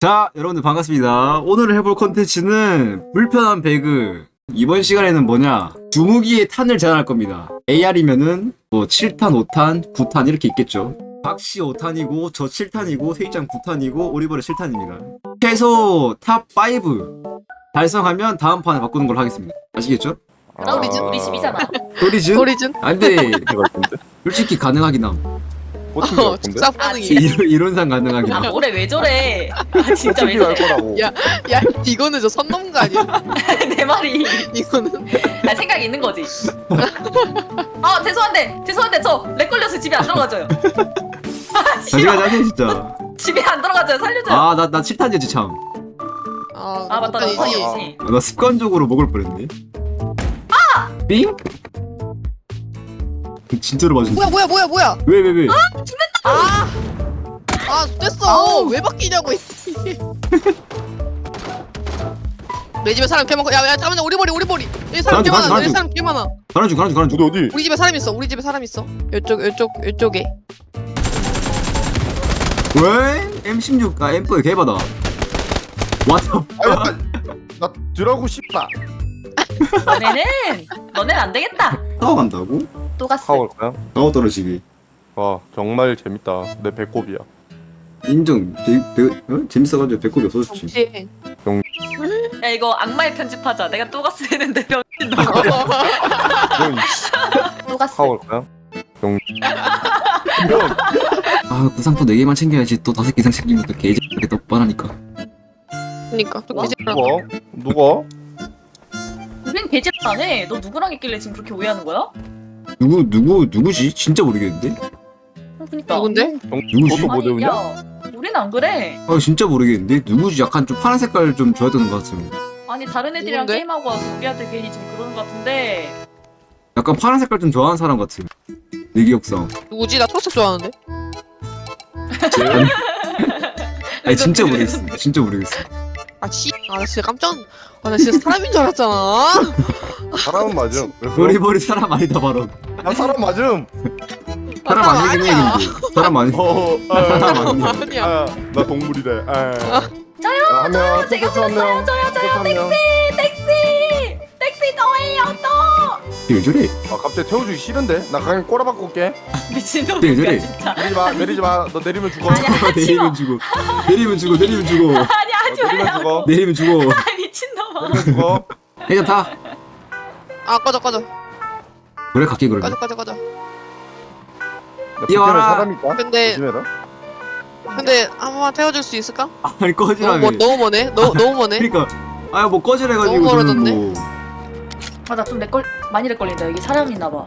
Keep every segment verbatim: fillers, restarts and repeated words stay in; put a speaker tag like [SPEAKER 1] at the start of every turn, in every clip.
[SPEAKER 1] 자, 여러분들 반갑습니다. 오늘 해볼 컨텐츠는 불편한 배그. 이번 시간에는 뭐냐, 주무기의 탄을 제한할 겁니다. 에이알이면은 뭐 칠 탄, 오 탄, 구 탄 이렇게 있겠죠. 박씨 오 탄이고 저 칠 탄이고 세이짱 구 탄이고 오리버리 칠 탄입니다. 최소 탑 오 달성하면 다음 판에 바꾸는 걸로 하겠습니다. 아시겠죠?
[SPEAKER 2] 나 우리 집 우리 집이잖아.
[SPEAKER 1] 소리즌?
[SPEAKER 2] 소리즌?
[SPEAKER 1] 아 근데 솔직히 가능하긴 함.
[SPEAKER 3] 꽂힌
[SPEAKER 2] 어,
[SPEAKER 3] 것 같은데?
[SPEAKER 2] 축사
[SPEAKER 1] 아,
[SPEAKER 2] 반응이.
[SPEAKER 1] 이론, 이론상 가능하긴
[SPEAKER 2] 아
[SPEAKER 1] 함.
[SPEAKER 2] 뭐래 왜 저래? 아 진짜 왜
[SPEAKER 3] 꽂힌 할
[SPEAKER 2] 저래?
[SPEAKER 3] 거라고.
[SPEAKER 2] 야, 야 이거는 저 선 넘은 거 아니야? 내 말이 이거는 아 생각이 있는 거지. 아 죄송한데 죄송한데 저 렉 걸려서 집에 안 들어가져요. 아
[SPEAKER 1] 자기가
[SPEAKER 2] 진짜
[SPEAKER 1] 자세 진짜.
[SPEAKER 2] 집에 안 들어가져요. 살려줘요.
[SPEAKER 1] 아, 나, 나 칠 탄이었지 참.
[SPEAKER 2] 아, 아 맞다 나
[SPEAKER 3] 아,
[SPEAKER 2] 선이지.
[SPEAKER 1] 나 습관적으로 먹을 뻔했네. 아! 삥? 진짜로 맞았어.
[SPEAKER 4] 뭐야 뭐야 뭐야 뭐야
[SPEAKER 1] 왜, 왜, 왜?
[SPEAKER 2] 아
[SPEAKER 4] 아 됐어 왜 바뀌냐고 내 집에 사람 개 많고 야야 잠깐만 우리 머리 우리 머리 여기 사람 개
[SPEAKER 1] 가라앉아,
[SPEAKER 4] 많아 여기
[SPEAKER 1] 가라앉아.
[SPEAKER 4] 사람 개 많아
[SPEAKER 1] 가는 중, 가는 중, 가는 중.
[SPEAKER 3] 어디 어디?
[SPEAKER 4] 우리 집에 사람 있어 우리 집에 사람 있어 요쪽 요쪽 요쪽에
[SPEAKER 1] 왜? 엠 십육, 아, 엠 사 개바다. 왔다.
[SPEAKER 3] 아야, 나 드라고 싶다.
[SPEAKER 2] 너네는 너네는 안 되겠다.
[SPEAKER 1] 타워 간다고?
[SPEAKER 2] 또 갔어.
[SPEAKER 3] 타올 거야?
[SPEAKER 1] 타워 떨어지기.
[SPEAKER 3] 와 정말 재밌다. 내 배꼽이야.
[SPEAKER 1] 인정. 배, 배, 어? 재밌어가지고 배꼽이 없어졌지.
[SPEAKER 4] 정치
[SPEAKER 2] 야 이거 악마의 편집하자. 내가 또 갔어 했는데 병신 너.
[SPEAKER 3] 형
[SPEAKER 2] 또 갔어.
[SPEAKER 3] 타올 거야? 형. 형.
[SPEAKER 1] 아, 구상포 네 개만 챙겨야지. 또 다섯 개 이상 챙기면 또 개새끼게 또 뻔하니까.
[SPEAKER 4] 그니까 또
[SPEAKER 2] 뭐?
[SPEAKER 4] 개집을
[SPEAKER 3] 누가? 누가?
[SPEAKER 2] 우린 개질 안 해. 너 누구랑 있길래 지금 그렇게 오해하는 거야?
[SPEAKER 1] 누구, 누구, 누구지? 진짜 모르겠는데?
[SPEAKER 2] 어, 그니까.
[SPEAKER 4] 누군데?
[SPEAKER 3] 형
[SPEAKER 1] 누구지?
[SPEAKER 3] 너도 뭐
[SPEAKER 2] 아니
[SPEAKER 3] 배우냐?
[SPEAKER 2] 야 우린 안 그래.
[SPEAKER 1] 아, 진짜 모르겠는데? 누구지? 약간 좀 파란 색깔 좀 좋아했던 것 같은.
[SPEAKER 2] 아니 다른 애들이랑
[SPEAKER 4] 누군데?
[SPEAKER 2] 게임하고 와서 우리한테 괜히 지금 그러는 것 같은데.
[SPEAKER 1] 약간 파란 색깔 좀 좋아하는 사람 같은. 내 기억상.
[SPEAKER 4] 누구지? 나 초록색 좋아하는데
[SPEAKER 1] 아니, 진짜 모르겠어. 진짜 모르겠어.
[SPEAKER 4] 아씨아나 진짜 깜짝 아 나 진짜 사람인 줄 알았잖아
[SPEAKER 3] 사람은 맞음. 왜 그럼?
[SPEAKER 1] 머리머리 사람 아니다, 바로.
[SPEAKER 3] 나 사람 맞음.
[SPEAKER 1] 사람 아니긴 해,
[SPEAKER 4] 아니야.
[SPEAKER 1] 근데. 사람 아니.
[SPEAKER 3] 어.
[SPEAKER 1] 사람
[SPEAKER 3] 아,
[SPEAKER 1] 아니야.
[SPEAKER 4] 아니야
[SPEAKER 3] 아, 나 동물이래. 아.
[SPEAKER 2] 저요,
[SPEAKER 3] 하면
[SPEAKER 2] 제가
[SPEAKER 3] 한 명.
[SPEAKER 2] 저요 저요
[SPEAKER 3] 한 명.
[SPEAKER 2] 택시 택시 저예요 또.
[SPEAKER 1] 왜 저래?
[SPEAKER 3] 아 갑자기 태워주기 싫은데? 나 그냥 꼬라박고 올게.
[SPEAKER 1] 네,
[SPEAKER 2] 미친놈이야
[SPEAKER 1] 저래.
[SPEAKER 2] 진짜.
[SPEAKER 3] 내리지 마, 내리지 마. 너 내리면 죽어.
[SPEAKER 2] 아니야. 하지
[SPEAKER 1] 내리면
[SPEAKER 2] 마.
[SPEAKER 1] 주고. 내리면 주고, 내리면 주고.
[SPEAKER 2] 아니
[SPEAKER 3] 너
[SPEAKER 2] 하지
[SPEAKER 3] 내리면
[SPEAKER 2] 말라고.
[SPEAKER 3] 죽어.
[SPEAKER 1] 내리면 주고.
[SPEAKER 2] 아 미친놈아.
[SPEAKER 3] 내리면 죽어.
[SPEAKER 1] 일단 타.
[SPEAKER 4] 아 꺼져 꺼져
[SPEAKER 1] 그래, 갈게, 그러면.
[SPEAKER 4] 꺼져 꺼져 꺼져
[SPEAKER 3] 야,
[SPEAKER 1] 뛰어라.
[SPEAKER 3] 붙으면 사람 있다.
[SPEAKER 4] 근데
[SPEAKER 3] 조심해라.
[SPEAKER 4] 근데 한 번만 태워줄 수 있을까?
[SPEAKER 1] 아니,
[SPEAKER 4] 너무
[SPEAKER 1] 꺼지라며.
[SPEAKER 4] 멀 너무 머네 너, 너무 머네
[SPEAKER 1] 그니까. 아야, 뭐 꺼지래가지고.
[SPEAKER 4] 너무
[SPEAKER 1] 저는
[SPEAKER 4] 멀어졌네.
[SPEAKER 1] 뭐.
[SPEAKER 2] 맞아 좀 렉걸 많이 렉걸린다. 여기 사람 있나 봐.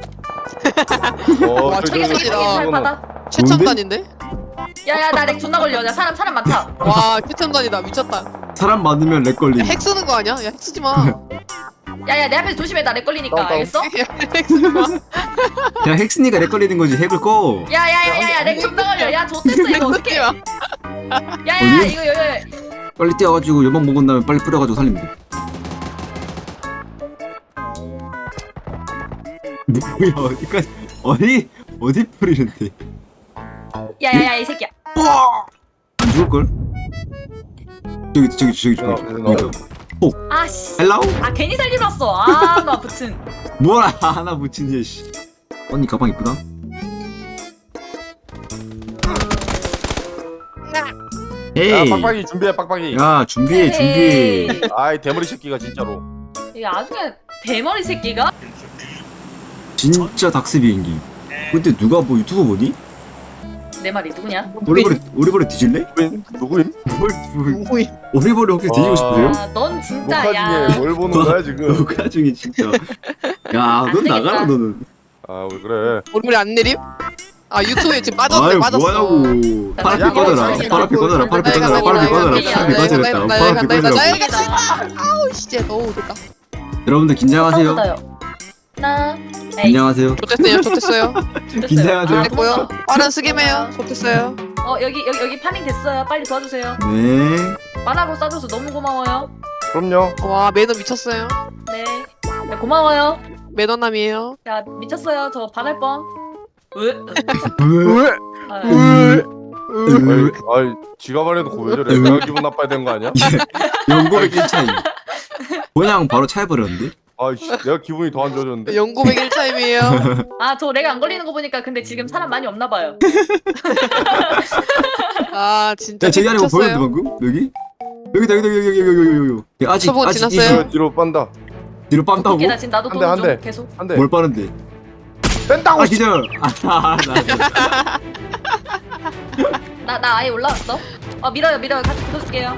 [SPEAKER 3] 어,
[SPEAKER 4] 와,
[SPEAKER 3] 저기,
[SPEAKER 4] 저기
[SPEAKER 3] 저기,
[SPEAKER 4] 저기
[SPEAKER 2] 살
[SPEAKER 3] 저기,
[SPEAKER 2] 받아.
[SPEAKER 4] 최첨단인데?
[SPEAKER 2] 야야 나 렉 존나 걸려. 야 사람 사람 많다.
[SPEAKER 4] 와 최첨단이다 미쳤다
[SPEAKER 1] 사람 많으면 렉 걸림.
[SPEAKER 4] 야, 핵 쓰는 거 아니야? 야 핵 쓰지 마.
[SPEAKER 2] 야야 내 앞에서 조심해. 나 렉 걸리니까.
[SPEAKER 3] 다운, 다운.
[SPEAKER 2] 알겠어?
[SPEAKER 4] 핵 쓰지 마.
[SPEAKER 1] 야, 핵스니까 렉 걸리는 거지. 핵을 꺼.
[SPEAKER 2] 야야야야야 렉 존나 걸려. 야 좋댔어 이거
[SPEAKER 4] 핵 쓰지
[SPEAKER 2] 어떡해.
[SPEAKER 4] 마.
[SPEAKER 2] 야야
[SPEAKER 1] 어디?
[SPEAKER 2] 이거 이거
[SPEAKER 1] 빨리 뛰어가지고 연막 먹은 다음에 빨리 뿌려가지고 살리면 돼. 뭐야, 어디까지. 어디, 어디 뿌리는데.
[SPEAKER 2] 야야야 이 새끼야.
[SPEAKER 1] 안 죽을걸? 저기, 저기, 저기, 저기.
[SPEAKER 3] 어,
[SPEAKER 1] 저기.
[SPEAKER 3] 어.
[SPEAKER 2] 아씨.
[SPEAKER 1] 헬로우?
[SPEAKER 2] 아 괜히 살리러 왔어. 아나 붙은.
[SPEAKER 1] 뭐라 하나 붙인 얘 씨. 언니 가방 이쁘다.
[SPEAKER 3] 야,
[SPEAKER 1] 에이.
[SPEAKER 3] 빡빡이 준비해, 빡빡이.
[SPEAKER 1] 야, 준비해, 준비해.
[SPEAKER 2] 에이,
[SPEAKER 3] 아이 대머리 새끼가 진짜로.
[SPEAKER 2] 이거 나중에 대머리 새끼가.
[SPEAKER 1] 진짜 닥스 비행기. 근데 누가 뭐 유튜브 보니?
[SPEAKER 2] 내 말이 누구냐?
[SPEAKER 1] 오리버리 오리버리 뒤질래?
[SPEAKER 3] 누구임? 누구임?
[SPEAKER 1] 뭘 뭘-
[SPEAKER 4] 누구임?
[SPEAKER 1] 오리버리 혹시 뒤지고
[SPEAKER 3] 와.
[SPEAKER 1] 싶으세요?
[SPEAKER 2] 아, 넌 진짜
[SPEAKER 3] 녹화
[SPEAKER 2] 야.
[SPEAKER 3] 중에 뭘 보는 거야 지금?
[SPEAKER 1] 녹화 중에 진짜. 야, 넌
[SPEAKER 2] 되겠다.
[SPEAKER 1] 나가라 너는.
[SPEAKER 3] 아 왜 그래?
[SPEAKER 4] 얼굴이 안 내림? 아 유튜브에 지금 빠졌네
[SPEAKER 1] 아유
[SPEAKER 4] 빠졌어.
[SPEAKER 1] 뭐하냐고. 파라피
[SPEAKER 2] 야,
[SPEAKER 1] 꺼져라.
[SPEAKER 2] 야,
[SPEAKER 1] 파라피 꺼져라. 파라피
[SPEAKER 4] 나이
[SPEAKER 1] 꺼져라.
[SPEAKER 4] 간다,
[SPEAKER 1] 파라피
[SPEAKER 4] 나이
[SPEAKER 1] 꺼져라.
[SPEAKER 4] 간다,
[SPEAKER 1] 파라피
[SPEAKER 4] 나이
[SPEAKER 1] 꺼져라.
[SPEAKER 4] 간다, 나이
[SPEAKER 1] 파라피
[SPEAKER 4] 간다, 나이
[SPEAKER 1] 꺼져라.
[SPEAKER 4] 간다. 아우 진짜 너무 됐다.
[SPEAKER 1] 여러분들 긴장하세요.
[SPEAKER 2] 싸우다요. 나. 에이.
[SPEAKER 1] 긴장하세요.
[SPEAKER 4] 좋댔어요 좋댔어요.
[SPEAKER 2] 됐어요.
[SPEAKER 1] 긴장하세요.
[SPEAKER 2] 아,
[SPEAKER 4] 됐고요. 빠른 스겜해요. 좋댔어요.
[SPEAKER 2] 어 여기 여기 여기 파밍 됐어요. 빨리 도와주세요.
[SPEAKER 1] 네.
[SPEAKER 2] 만화로 싸줘서 너무 고마워요.
[SPEAKER 3] 그럼요.
[SPEAKER 4] 와 매너 미쳤어요.
[SPEAKER 2] 네. 네 고마워요.
[SPEAKER 4] 매너남이에요.
[SPEAKER 2] 야 미쳤어요. 저 반할 뻔. 으.
[SPEAKER 1] 왜?
[SPEAKER 2] 아,
[SPEAKER 4] 으. 으.
[SPEAKER 3] 아이, 아이 지가 말해놓고 왜 저래? 내가 기분 나빠야 되는 거 아니야?
[SPEAKER 1] 영고백 일 차이. 그냥 바로 차해버렸는데?
[SPEAKER 3] 아이씨 내가 기분이 더 안 좋아졌는데.
[SPEAKER 4] 영구백 일 차임이에요.
[SPEAKER 2] 아 저 렉 안 걸리는 거 보니까 근데 지금 사람 많이 없나 봐요.
[SPEAKER 4] 아 진짜
[SPEAKER 1] 야, 저기 안에 뭐 보였는데
[SPEAKER 4] 미쳤어요.
[SPEAKER 1] 방금? 여기? 여기다, 여기다, 여기, 여기, 여기, 여기, 여기, 여기. 아직,
[SPEAKER 4] 저보고
[SPEAKER 1] 아직
[SPEAKER 4] 지났어요?
[SPEAKER 1] 이지.
[SPEAKER 3] 뒤로, 뒤로 빤다.
[SPEAKER 1] 뒤로 빤다고?
[SPEAKER 2] 오케이 나 지금 나도
[SPEAKER 3] 한 대,
[SPEAKER 2] 도는
[SPEAKER 3] 한
[SPEAKER 2] 중
[SPEAKER 3] 대.
[SPEAKER 2] 계속.
[SPEAKER 3] 한대
[SPEAKER 1] 뭘 빠른데?
[SPEAKER 3] 뺀다고.
[SPEAKER 1] 아, 기절! 아, 나.
[SPEAKER 2] 나 나 아예 올라왔어. 어 밀어요 밀어요 같이 붙어줄게요.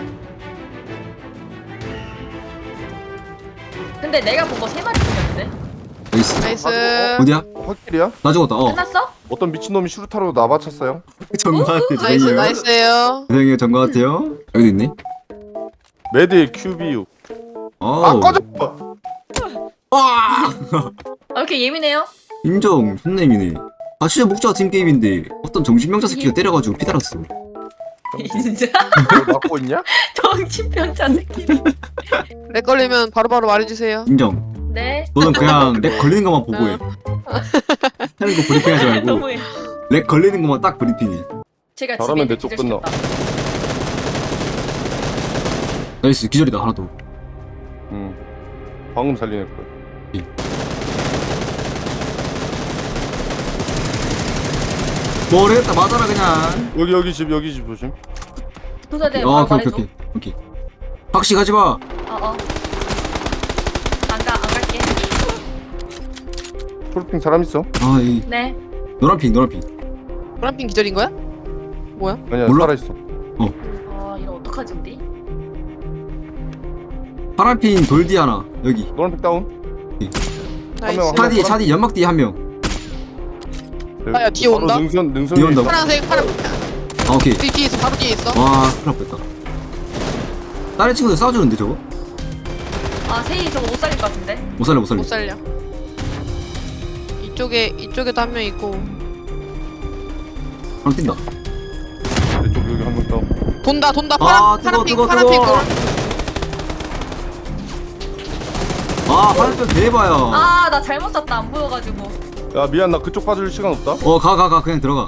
[SPEAKER 2] 근데 내가 본 거 세 마리 죽였는데.
[SPEAKER 1] 나이스.
[SPEAKER 4] 나이스.
[SPEAKER 1] 어디야?
[SPEAKER 3] 확실이야?
[SPEAKER 1] 나 죽었다, 어.
[SPEAKER 2] 끝났어?
[SPEAKER 3] 어떤 미친놈이 슈루타로 나 맞췄어요?
[SPEAKER 1] 정가한테
[SPEAKER 4] 나이스
[SPEAKER 1] 죄송해요.
[SPEAKER 4] 나이스예요.
[SPEAKER 1] 죄송해요, 정가한테요. 여기도 있네.
[SPEAKER 3] 매드의 큐비유.
[SPEAKER 1] 어.
[SPEAKER 3] 아 꺼져.
[SPEAKER 2] 아 왜 이렇게 예민해요?
[SPEAKER 1] 인정, 손님이네. 아, 진짜 목자 팀 게임인데 어떤 정신병자 새끼가 때려가지고 피달았어.
[SPEAKER 2] 진짜
[SPEAKER 3] 너 맞고 있냐?
[SPEAKER 2] 정신병자 새끼.
[SPEAKER 4] 렉 걸리면 바로바로 말해주세요.
[SPEAKER 1] 인정.
[SPEAKER 2] 네.
[SPEAKER 1] 너는 그냥 렉 걸리는 것만 보고해. 하는 거 브리핑하지 말고
[SPEAKER 2] 너무해.
[SPEAKER 1] 렉 걸리는 것만 딱 브리핑해.
[SPEAKER 2] 제가
[SPEAKER 3] 저러면
[SPEAKER 2] 집에
[SPEAKER 3] 내 쪽
[SPEAKER 2] 기절시켰다.
[SPEAKER 1] 나이스, 기절이다 하나 더.
[SPEAKER 3] 응. 방금 살리는 거야.
[SPEAKER 1] 모르겠다, 맞아라 그냥.
[SPEAKER 3] 여기 여기 집 여기 집 조심.
[SPEAKER 2] 도사대
[SPEAKER 1] 어,
[SPEAKER 2] 바로
[SPEAKER 1] 오케이,
[SPEAKER 2] 말해줘.
[SPEAKER 1] 오케이, 오케이. 박씨 가지 마.
[SPEAKER 2] 어어. 안가 안 갈게.
[SPEAKER 3] 초록핑 사람 있어?
[SPEAKER 1] 아, 이
[SPEAKER 2] 네.
[SPEAKER 1] 노란 핑, 노란 핑.
[SPEAKER 4] 파란핑 기절인 거야?
[SPEAKER 3] 아니야
[SPEAKER 1] 몰라?
[SPEAKER 3] 살아 있어.
[SPEAKER 2] 아 이거 어떡하지 우리?
[SPEAKER 1] 파란 핑 돌디 하나 여기.
[SPEAKER 3] 노란색 다운.
[SPEAKER 4] 나이스.
[SPEAKER 3] 명,
[SPEAKER 1] 차 뒤에, 차 뒤에 연막 뒤에 한 명.
[SPEAKER 4] 아, 야, 뒤에
[SPEAKER 3] 바로
[SPEAKER 4] 온다?
[SPEAKER 3] 능선 능선.
[SPEAKER 1] 뒤에 온다고?
[SPEAKER 4] 파란색 파란.
[SPEAKER 1] 아, 오케이.
[SPEAKER 4] 뒤 뒤에 있어 바로 뒤에 있어.
[SPEAKER 1] 와, 큰일 날 뻔했다. 다른 친구들 싸워주는데 저거?
[SPEAKER 2] 아 세이 저거 못 살릴 것 같은데.
[SPEAKER 1] 못 살려, 못 살려.
[SPEAKER 4] 못 살려. 이쪽에 이쪽에도 한 명 있고.
[SPEAKER 1] 하나 뛴다.
[SPEAKER 3] 이쪽 여기 한 명 다운.
[SPEAKER 4] 돈다 돈다
[SPEAKER 1] 아,
[SPEAKER 4] 파란
[SPEAKER 1] 뜨거,
[SPEAKER 4] 파란핑
[SPEAKER 1] 뜨거,
[SPEAKER 4] 파란핑
[SPEAKER 1] 뜨거. 아, 파란 핑 대봐요.
[SPEAKER 2] 아 나 잘못 샀다 안 보여가지고.
[SPEAKER 3] 야 미안 나 그쪽 빠질 시간 없다.
[SPEAKER 1] 어, 가, 가, 가. 그냥 들어가.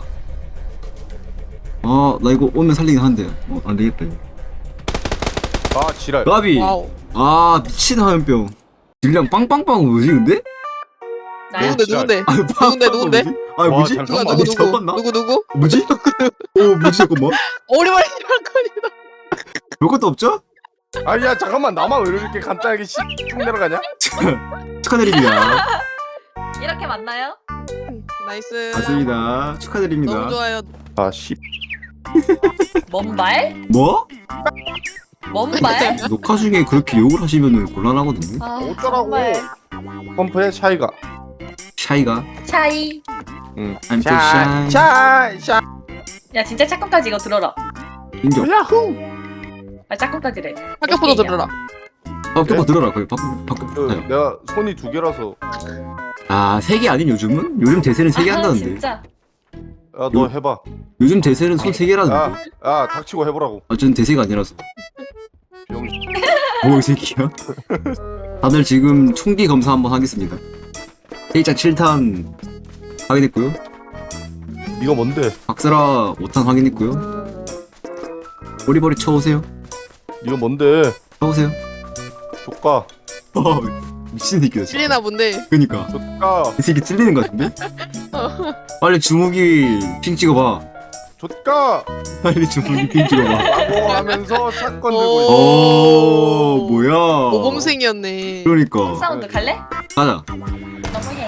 [SPEAKER 1] 어, 나 이거 오면 살리긴 한데. 어, 안 되겠다. 이거.
[SPEAKER 3] 아 지랄.
[SPEAKER 1] 나비.
[SPEAKER 4] 와우.
[SPEAKER 1] 아, 미친 화염병. 질량 빵빵빵 뭐지, 근데?
[SPEAKER 2] 나야.
[SPEAKER 4] 누군데 누군데?
[SPEAKER 1] 아,
[SPEAKER 4] 누군데, 누군데?
[SPEAKER 1] 아,
[SPEAKER 3] 와,
[SPEAKER 1] 뭐지?
[SPEAKER 3] 잘
[SPEAKER 4] 누가
[SPEAKER 3] 잠깐만,
[SPEAKER 4] 누구
[SPEAKER 1] 아니,
[SPEAKER 4] 누구
[SPEAKER 1] 잠깐만.
[SPEAKER 4] 누구 누구?
[SPEAKER 1] 뭐지? 오, 뭐지, 잠깐만.
[SPEAKER 4] 오리발이 발걸이다.
[SPEAKER 1] 별것도 없죠?
[SPEAKER 3] 아야 잠깐만 나만 왜 이렇게 간단하게 씩 내려가냐?
[SPEAKER 1] 축하드립니다.
[SPEAKER 2] 이렇게 맞나요?
[SPEAKER 4] 나이스.
[SPEAKER 1] 맞습니다. 축하드립니다.
[SPEAKER 4] 너무 좋아요.
[SPEAKER 3] 아 씨.
[SPEAKER 2] 먼 발?
[SPEAKER 1] 뭐?
[SPEAKER 2] 먼 발?
[SPEAKER 1] 녹화 중에 그렇게 욕을 하시면 곤란하거든요.
[SPEAKER 2] 아
[SPEAKER 3] 어쩌라고.
[SPEAKER 2] 정말.
[SPEAKER 3] 펌프의 차이가.
[SPEAKER 1] 샤이가.
[SPEAKER 2] 차이.
[SPEAKER 3] 응.
[SPEAKER 1] I'm so shy.
[SPEAKER 3] 샤 샤.
[SPEAKER 2] 야 진짜 짝꿍까지 이거 들어라.
[SPEAKER 1] 인정.
[SPEAKER 3] 야후.
[SPEAKER 2] 아 짝꿍까지래.
[SPEAKER 4] 학교포도 들어라.
[SPEAKER 1] 밖에
[SPEAKER 3] 네?
[SPEAKER 1] 들어라. 거기 밖에 밖에.
[SPEAKER 3] 그,
[SPEAKER 1] 아유.
[SPEAKER 3] 내가 손이 두 개라서.
[SPEAKER 1] 아, 세 개 아닌 요즘은? 요즘 대세는 세 개
[SPEAKER 2] 아,
[SPEAKER 1] 한다는데.
[SPEAKER 2] 진짜.
[SPEAKER 3] 야 너 해봐.
[SPEAKER 1] 요즘 대세는 손 세 개라는데.
[SPEAKER 3] 야, 야 닥치고 해보라고.
[SPEAKER 1] 아, 전 대세가 아니라서.
[SPEAKER 3] 병.
[SPEAKER 1] 뭐, 이 새끼야? 다들 지금 총기 검사 한번 하겠습니다. 일장 칠 탄 확인했고요.
[SPEAKER 3] 네가 뭔데?
[SPEAKER 1] 박스라 오 탄 확인했고요. 보리보리 쳐오세요.
[SPEAKER 3] 네가 뭔데?
[SPEAKER 1] 쳐오세요.
[SPEAKER 3] 조카.
[SPEAKER 1] 어, 미친 새끼다 진짜.
[SPEAKER 4] 찔리나 본데.
[SPEAKER 1] 그니까
[SPEAKER 3] 조카.
[SPEAKER 1] 이 새끼 찔리는 거 같은데? 빨리 주무기 핑 찍어봐.
[SPEAKER 3] 조카.
[SPEAKER 1] 빨리 주무기 핑 찍어봐.
[SPEAKER 3] 라고 하면서 사건 들고
[SPEAKER 4] 오.
[SPEAKER 3] 있어.
[SPEAKER 1] 오, 뭐야?
[SPEAKER 4] 모범생이었네.
[SPEAKER 1] 그러니까
[SPEAKER 2] 사운드 갈래?
[SPEAKER 1] 가자.
[SPEAKER 2] 너무해.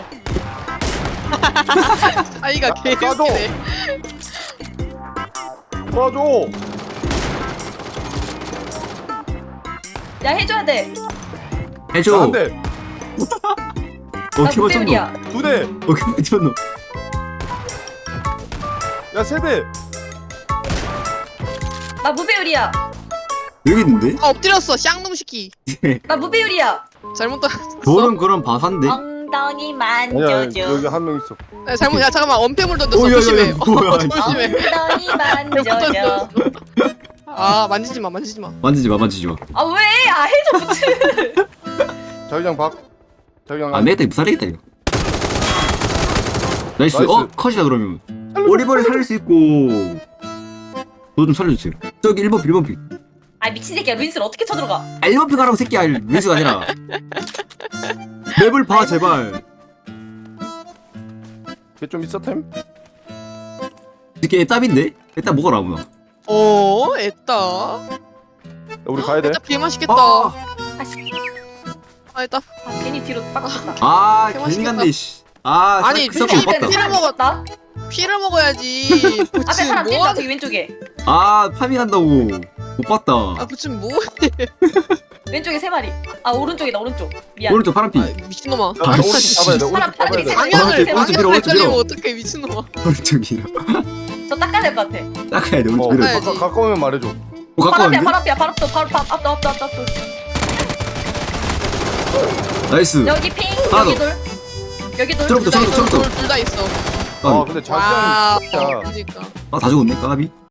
[SPEAKER 4] 아이가
[SPEAKER 3] 야,
[SPEAKER 4] 개웃기네.
[SPEAKER 3] 도와줘.
[SPEAKER 2] 야 해줘야 돼.
[SPEAKER 1] 해줘.
[SPEAKER 3] 한 대,
[SPEAKER 1] 어,
[SPEAKER 2] 나
[SPEAKER 1] 키워 쳤노.
[SPEAKER 2] 무배율이야.
[SPEAKER 3] 두 대,
[SPEAKER 1] 어, 키워 쳤노.
[SPEAKER 3] 야 세 대.
[SPEAKER 2] 나 무배율이야.
[SPEAKER 1] 여기 있는데?
[SPEAKER 4] 아 엎드렸어. 쌍놈 시키.
[SPEAKER 2] 나 무배율이야.
[SPEAKER 4] 잘못 떴어.
[SPEAKER 1] 저는 그럼 바산데?
[SPEAKER 2] 엉덩이
[SPEAKER 3] 아니야
[SPEAKER 2] 만져줘.
[SPEAKER 3] 여기 한 명 있어.
[SPEAKER 4] 야, 잘못. 야 잠깐만 언패물 던졌어.
[SPEAKER 1] 오, 야, 야, 야,
[SPEAKER 4] 조심해.
[SPEAKER 1] 뭐야,
[SPEAKER 4] 어,
[SPEAKER 1] 이거.
[SPEAKER 4] 조심해.
[SPEAKER 2] 엉덩이 만져줘.
[SPEAKER 4] 아 만지지 마 만지지 마.
[SPEAKER 1] 만지지 마, 만지지 마.
[SPEAKER 2] 아 왜? 아 해줘 무튼.
[SPEAKER 3] 자기장 박. 자기장
[SPEAKER 1] 안 되겠다, 이거 살리겠다, 이거. 나이스.
[SPEAKER 3] 나이스.
[SPEAKER 1] 어, 컷이다, 그러면. 오리버리 살릴 수 있고. 좀 살려주세요. 저기 일 번 픽 일 번 픽.
[SPEAKER 2] 아 미친 새끼야 루인스를 어떻게 쳐들어가?
[SPEAKER 1] 아, 일 번 픽 하라고 새끼야. 루이스가 아니라. 맵을 봐 제발.
[SPEAKER 3] 걔좀 있어 템?
[SPEAKER 1] 이게 애답인데? 애답 먹어라 아무나.
[SPEAKER 4] 어 애따.
[SPEAKER 3] 야, 우리 가야 돼.
[SPEAKER 4] 애따 개 맛있겠다.
[SPEAKER 1] 아,
[SPEAKER 2] 아씨
[SPEAKER 4] 아 애따.
[SPEAKER 2] 아, 괜히 뒤로 빠졌다.
[SPEAKER 1] 아
[SPEAKER 4] 개
[SPEAKER 1] 괜히
[SPEAKER 4] 맛있겠다.
[SPEAKER 1] 갔네 씨. 아
[SPEAKER 4] 아니,
[SPEAKER 1] 그 사람
[SPEAKER 4] 피를
[SPEAKER 1] 못 봤다.
[SPEAKER 4] 피를 먹어.
[SPEAKER 2] 먹었다.
[SPEAKER 4] 피를 먹어야지.
[SPEAKER 2] 앞에
[SPEAKER 4] 부친
[SPEAKER 2] 사람 뛴다
[SPEAKER 4] 뭐하는?
[SPEAKER 2] 저기 왼쪽에.
[SPEAKER 1] 아 파밍한다고 못 봤다.
[SPEAKER 4] 아 부친 뭐?
[SPEAKER 2] 왼쪽에 세 마리. 아 오른쪽이다 오른쪽. 미안.
[SPEAKER 1] 오른쪽 파란빛.
[SPEAKER 4] 아 미친놈아.
[SPEAKER 3] 야, 나 오른쪽 잡아야 돼. 오른쪽
[SPEAKER 2] 사람
[SPEAKER 3] 잡아야 돼.
[SPEAKER 2] 사람이
[SPEAKER 4] 방향을
[SPEAKER 1] 오른쪽, 오른쪽 밀어,
[SPEAKER 4] 방향을
[SPEAKER 1] 오른쪽 밀어.
[SPEAKER 4] 헷갈리면 어떡해 미친놈아.
[SPEAKER 1] 오른쪽이라.
[SPEAKER 2] 저 닦아야 될 것 같아.
[SPEAKER 1] 닦아야 돼
[SPEAKER 3] 어,
[SPEAKER 1] 오른쪽 밀어.
[SPEAKER 4] 네.
[SPEAKER 3] 가까, 가까우면 말해줘.
[SPEAKER 1] 오
[SPEAKER 2] 바로 앞이야
[SPEAKER 1] 가까운데?
[SPEAKER 2] 바로 앞이야 바로 앞도 바로 앞 앞도 앞도 앞도 앞도.
[SPEAKER 1] 나이스.
[SPEAKER 2] 여기 핑
[SPEAKER 1] 하나
[SPEAKER 2] 여기
[SPEAKER 1] 더.
[SPEAKER 2] 돌. 여기 돌.
[SPEAKER 1] 저렇게, 저렇게, 저렇게.
[SPEAKER 4] 둘다 있어.
[SPEAKER 3] 아 근데 자기장
[SPEAKER 4] 와.
[SPEAKER 3] 진짜.
[SPEAKER 4] 그러니까.
[SPEAKER 1] 아 다 죽었네 까비.